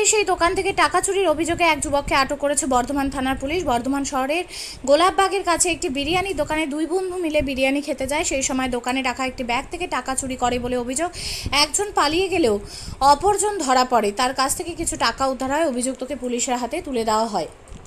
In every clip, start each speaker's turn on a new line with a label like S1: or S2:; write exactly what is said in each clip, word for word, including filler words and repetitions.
S1: সেই দোকান থেকে টাকা চুরির অভিযোগে এক যুবককে আটক করেছে বর্ধমান থানার পুলিশ। বর্ধমান শহরের গোলাপবাগের কাছে একটি বিরিয়ানির দোকানে দুই বন্ধু মিলে বিরিয়ানি খেতে যায়। সেই সময় দোকানে রাখা একটি ব্যাগ থেকে টাকা চুরি করে বলে অভিযোগ। একজন পালিয়ে গেলেও অপরজন ধরা পড়ে। তার কাছ থেকে কিছু টাকা উদ্ধার হয়। অভিযুক্তকে পুলিশের হাতে তুলে দেওয়া হয়।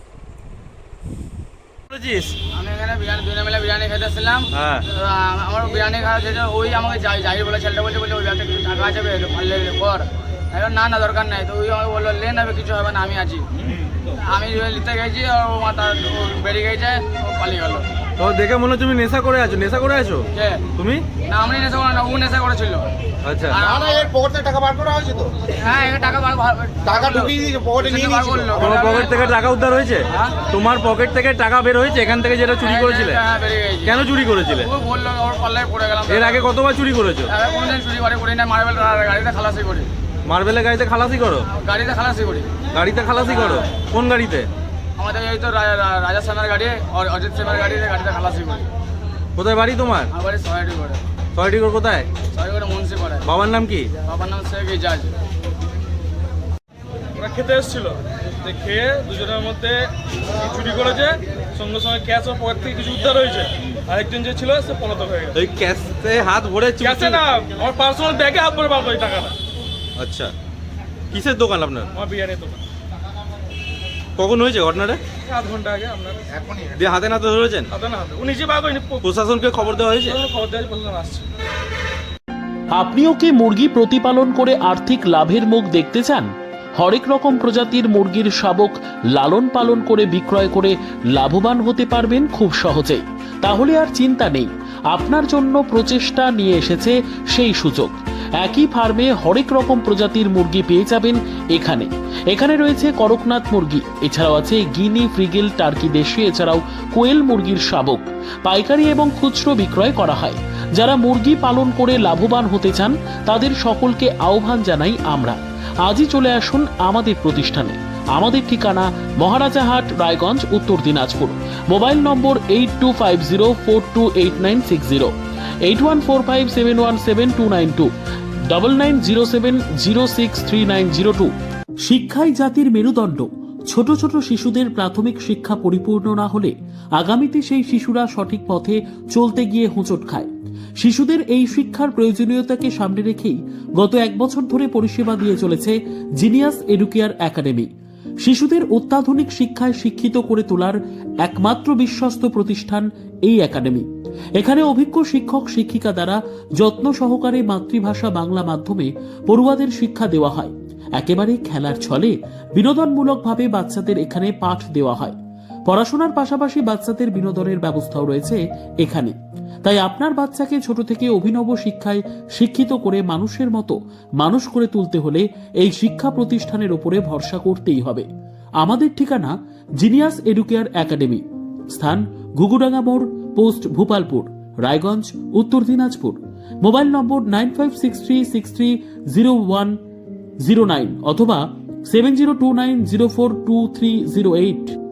S2: আমি এখানে বিরিয়ানি দুই মিলে বিরিয়ানি খেতেছিলাম। আমার বিরিয়ানি খাওয়া যেটা ওই আমাকে যাই যাই বলে ছেলেটা বলছে বলছে ওই ব্যাগটা কিছু টাকা আছে পারলে কর। এখন না না দরকার নাই, তো ওই আমাকে বললো লে নেবে কিছু হবে না, আমি আছি। আমি নিতে গেছি আর ও মাথা বেরিয়ে গেছে, ও পালিয়ে গেল।
S3: তো দেখে মনে হচ্ছে তুমি নেশা করে আছো। নেশা করে আছো
S2: কে
S3: তুমি?
S2: না আমি নেশা করে না, ও নেশা করেছিল।
S3: আচ্ছা,
S4: না না এর পকেট থেকে টাকা বার করা হয়েছে তো?
S2: হ্যাঁ এর টাকা বার
S4: টাকা ঢুকিয়ে দিয়েছে, পকেটে নিয়ে
S2: বার
S4: নিয়েছিল।
S2: করলো।
S3: তোমার পকেট থেকে টাকা উদ্ধার হয়েছে?
S2: হ্যাঁ।
S3: তোমার পকেট থেকে টাকা বের হয়েছে এখান থেকে যেটা চুরি করেছিলে?
S2: হ্যাঁ বেরিয়ে গেছে।
S3: কেন চুরি করেছিলে?
S2: ও বললো ওর পাল্লায় পড়ে গেলাম।
S3: এর আগে কতবার চুরি করেছো?
S2: এবার কোনোদিন চুরি করে করি না, মার্বেল গাড়িতে খালাসি করি।
S3: মার্বেলের গাড়িতে খালাসি করো?
S2: গাড়িতে খালাসি করি।
S3: গাড়িতে খালাসি করো? কোন গাড়িতে?
S2: আমাদের এই তো রা- রা- রাজা শ্যামের গাড়ি আর অজিত শ্যামের গাড়িতে গাড়িতে খালাসি করি।
S3: কোথায় বাড়ি তোমার?
S2: আমার বাড়ি সহায়টি করে।
S3: ছয়টি করে কোথায়?
S2: সহায়টি করে মুন্সি করে।
S3: বাবার নাম কি?
S2: বাবার নাম শেখ ইজাজ।
S5: ওরা খেতে এসেছিল, তো খেয়ে দুজনের মধ্যে চুরি করেছে, সঙ্গে সঙ্গে ক্যাশ ও পকেট থেকে কিছু উদ্ধার হয়েছে। আরেকজন যে ছিল সে পলাতক হয়ে গেছে।
S3: ওই ক্যাশে হাত ভরে চুরি-
S5: ক্যাশে না, আমার পার্সোনাল ব্যাগে হাত ভরে বার করে টাকাটা।
S3: আচ্ছা, কিসের দোকান আপনার?
S5: আমার বিরিয়ানির দোকান।
S3: কখন হয়েছে ঘটনাটা?
S5: আধ ঘন্টা আগে আপনার
S3: দিয়ে হাতে নাতে ধরেছেন?
S5: হাতে না হাতে ও নিজে বার করেনি,
S3: প্রশাসনকে খবর দেওয়া হয়েছে?
S5: খবর দেওয়া প্রশাসন আসছে।
S6: আপনিও কি মুরগি প্রতিপালন করে আর্থিক লাভের মুখ দেখতে চান? হরেক রকম প্রজাতির মুরগির শাবক লালন পালন করে বিক্রয় করে লাভবান হতে পারবেন খুব সহজেই। তাহলে আর চিন্তা নেই, আপনার জন্য প্রচেষ্টা নিয়ে এসেছে সেই সুযোগ। একই ফার্মে হরেক রকম প্রজাতির মুরগি পেয়ে যাবেন এখানে। এখানে রয়েছে করকনাথ মুরগি, এছাড়াও আছে গিনি, ফ্রিগেল, টার্কি দেশি, এছাড়াও কোয়েল মুরগির শাবক। পাইকারি এবং খুচরো বিক্রয় করা হয়। যারা মুরগি পালন করে লাভবান হতে চান তাদের সকলকে আহ্বান জানাই আমরা। আজই চলে আসুন আমাদের প্রতিষ্ঠানে। আমাদের ঠিকানা Maharajahat, Raiganj, Uttar Dinajpur. Mobile number eight two five zero four two eight nine six zero, eight one four five seven one seven two nine two, double nine zero seven zero six three nine zero two. শিক্ষাই জাতির মেরুদণ্ড। ছোট ছোট শিশুদের প্রাথমিক শিক্ষা পরিপূর্ণ না হলে আগামীতে সেই শিশুরা সঠিক পথে চলতে গিয়ে হোঁচট খায়। শিশুদের এই শিক্ষার প্রয়োজনীয়তাকে সামনে রেখেই গত এক বছর ধরে পরিষেবা দিয়ে চলেছে জিনিয়াস এডুকেয়ার একাডেমি। শিশুদের অত্যাধুনিক শিক্ষায় শিক্ষিত করে তোলার একমাত্র বিশ্বস্ত প্রতিষ্ঠান এই একাডেমি। এখানে অভিজ্ঞ শিক্ষক শিক্ষিকা দ্বারা যত্ন সহকারে মাতৃভাষা বাংলা মাধ্যমে পড়ুয়াদের শিক্ষা দেওয়া হয়। একেবারে খেলার ছলে বিনোদনমূলকভাবে বাচ্চাদের এখানে পাঠ দেওয়া হয়। পড়াশোনার পাশাপাশি বাচ্চাদের বিনোদনের ব্যবস্থাও রয়েছে এখানে। তাই আপনার বাচ্চাকে ছোট থেকে অভিনব শিক্ষায় শিক্ষিত করে মানুষের মতো মানুষ করে তুলতে হলে এই শিক্ষা প্রতিষ্ঠানের উপরে ভরসা করতেই হবে। আমাদের ঠিকানা জিনিয়াস এডুকেয়ার একাডেমি, স্থান ঘুঘুডাঙ্গা মোড়, post Bhupalpur, Raiganj, Uttar Dinajpur. Mobile number nine five six three six three zero one zero nine অথবা seven zero two nine zero four two three zero eight.